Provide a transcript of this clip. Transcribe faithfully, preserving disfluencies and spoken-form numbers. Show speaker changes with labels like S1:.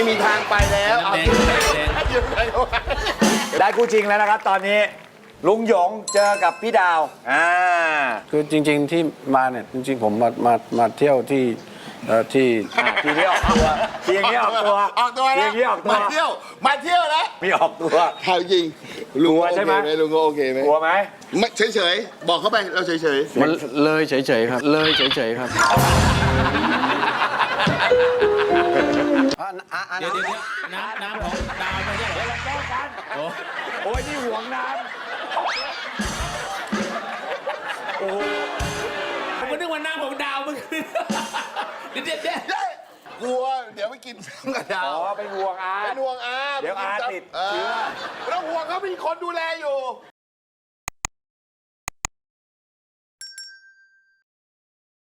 S1: ไม่มีทางไปแล้วเอาอยู่ไหนอยู่ไหน
S2: ได้คู่จริงแล้วนะครับตอนนี้ลุงหยงเจอกับพี่ดาวอ่า
S3: คือจริงๆที่มาเนี่ยจริงๆผมมามามาเที่ยวที่เอ่อที่
S2: ทีนี้ออกตัวทีนี้ออกตัว
S1: ออกตัว
S2: ที
S1: นะ
S2: นี้ออกตัว
S1: มาเที่ยวมาเที่ยวแล้ว
S2: มีออกตัว
S1: ถามจริงลุง
S2: กลัว
S1: โอ
S2: ใช่
S1: เค
S2: ไหม
S1: ไหมลุงโอเคไหม
S2: กลัวไหม
S1: ไม่เฉยๆบอกเข้าไปเราเฉย
S3: มันเลยเฉยๆครับ เลยเฉยๆครับ
S4: เดี๋ยวเดี๋ยวน้ำน้ำของดาวไม่ใช่เหรอ
S2: แก้กันโอ้ยนี่ห่วงน้ำโอ้
S4: ผมก็นึกว่าน้ำของดาวเมื่อคืนเดี๋ยวเดี๋ยวเดี๋ยว
S1: ๆกลัวเดี๋ยวไปกินซ้ำกับดา
S2: อ๋
S1: ว
S2: อเป็นห่วงอา
S1: เป็นห่วงอา
S2: เดี๋ยวอาติด
S1: เออไม่ต้องห่วงเขามีคนดูแลอยู่